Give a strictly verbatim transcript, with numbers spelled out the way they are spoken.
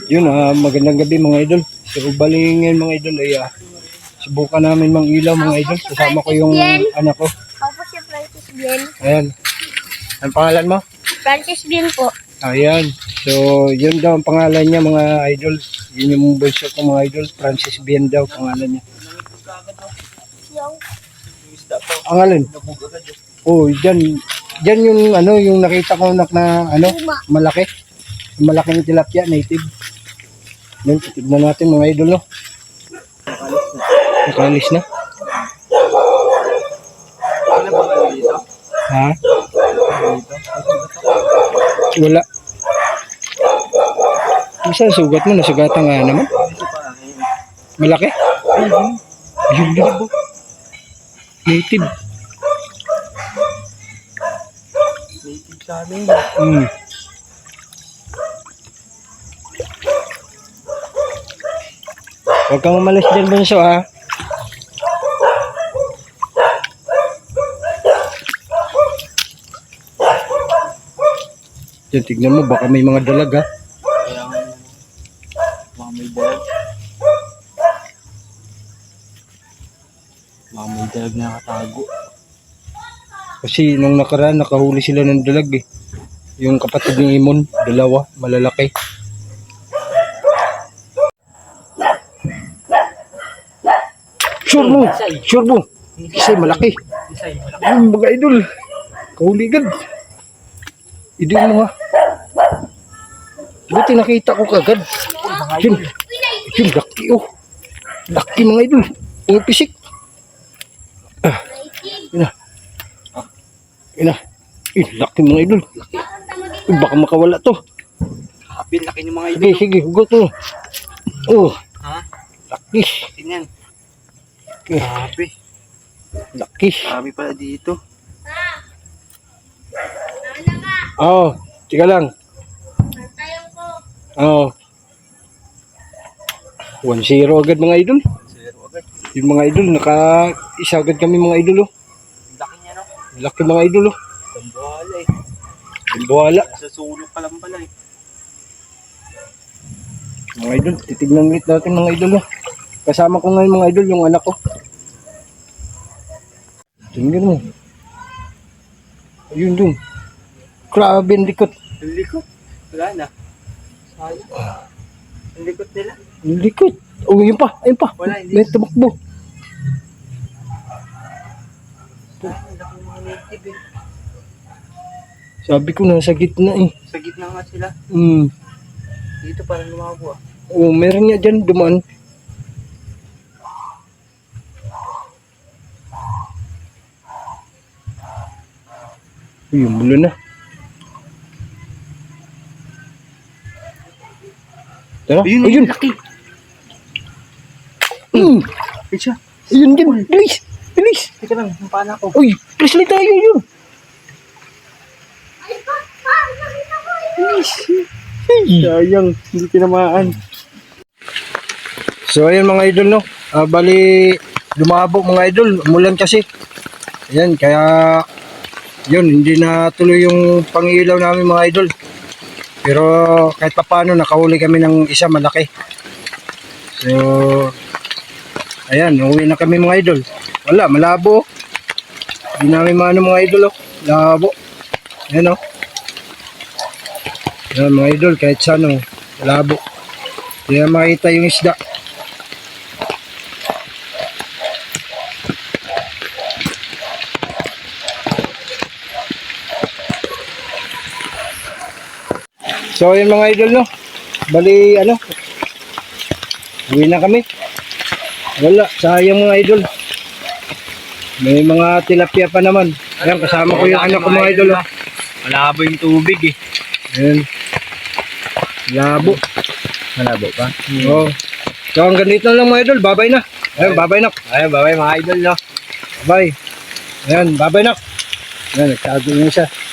Yun, ah, magandang gabi mga idol. So, bali ngayon mga idol ay ah, subukan namin mang ilaw mga idol. Kasama ko yung anak ko. Ako po si Francis Bien. Ayan. Ang pangalan mo? Francis Bien po. Ayan. So, yun daw ang pangalan niya mga idol. Yun yung bunso ko mga idol. Francis Bien daw pangalan niya. Yung Ang alin? Oh, dyan. Dyan yung ano, yung nakita ko nak na ano, malaki. Malaking tilapia, native. Yan, tignan natin mga idol, no? Nakalis na. Ha? Wala. Isa sugat mo, nasugatan nga naman. Malaki? Ayun na. Native. Native sa amin. Hmm. Huwag kang umalis dyan, bunso, ha? Yan, tignan mo, baka may mga dalag, ha? Kaya nga mga may dalag. Mga may dalag na nakatago. Kasi nung nakaraan, nakahuli sila ng dalag, eh. Yung kapatid ni Imon, dalawa, malalaki. Sure mo, sure mo. Kasi malaki. Isay, malaki. Yung mga idol, kahuligan. Idol mo, ha? Buti nakita ko kagad. Yun, yun, laki, oh. Laki mga idol. Yung pisik. Ah, yun na. Yun na. Eh, laki mga idol. Eh, baka makawala to. Kapin, laki ng mga Sige, idol. sige, hugot mo. Oh, Ha? laki. Tingnan. Eh, Grabe. laki. Grabe pala dito. Oh, tika lang. tayong po. Oh. one zero agad mga idol. Zero agad. Yung mga idol, naka-isa agad kami mga idol, oh. Laki niya, no? Laki mga idol, oh. Tambuhala eh. Yung buhala. Sa sulok pa lang pala eh. Mga idol, titignan ulit natin mga idol, oh. Kasama ko ngayon mga idol, yung anak ko. Tingnan mo. Ayun dun. Grabe ang likot. Ang likot. Wala na. Sayang. Ang likot nila. Ang likot. Oh, yun pa. Ayun pa. Wala, hindi. May tumakbo. Sayang, ang laki ng mga native eh. Sabi ko nasa gitna eh. Sa gitna nga sila. Hmm. Dito parang lumabo ah. Oh, meron niya dyan dumaan. Uy, yung mulo na. Tara, Ayun, ayun. laki. Mm. Ay siya. Ayun din, bilis, bilis. Teka lang, yung pana ko. Uy, bilis lang tayo yun. Ay, pa, pa, nakita ko eh. Bilis. Ay, Sayang, hindi tinamaan. so ayun mga idol, no. Ah, bali lumabo mga idol, umulan kasi. Ayan, kaya yun, hindi na tuloy yung pangilaw namin mga idol. Pero kahit pa paano nakahuli kami ng isa malaki. So ayan, uwi na kami mga idol. Wala, malabo. Hindi namin maano mga idol, oh. Labo. Ayan, oh. Ayan mga idol, kahit saan, oh. Labo. Hindi na makita yung isda. So yun mga idol, no. Bali ano, uwi na kami. Wala, sayang mga idol. May mga tilapia pa naman. Ayan, kasama ko yung anak ko mga idol, oh. Malabo yung tubig eh. Ayan. Labo. Malabo pa? Oo. So hanggang dito na lang mga idol, babay na. Ayan, babay na. Ayun, babay mga idol no. Bye. Ayan, babay na. Ayan, nagtago niya siya.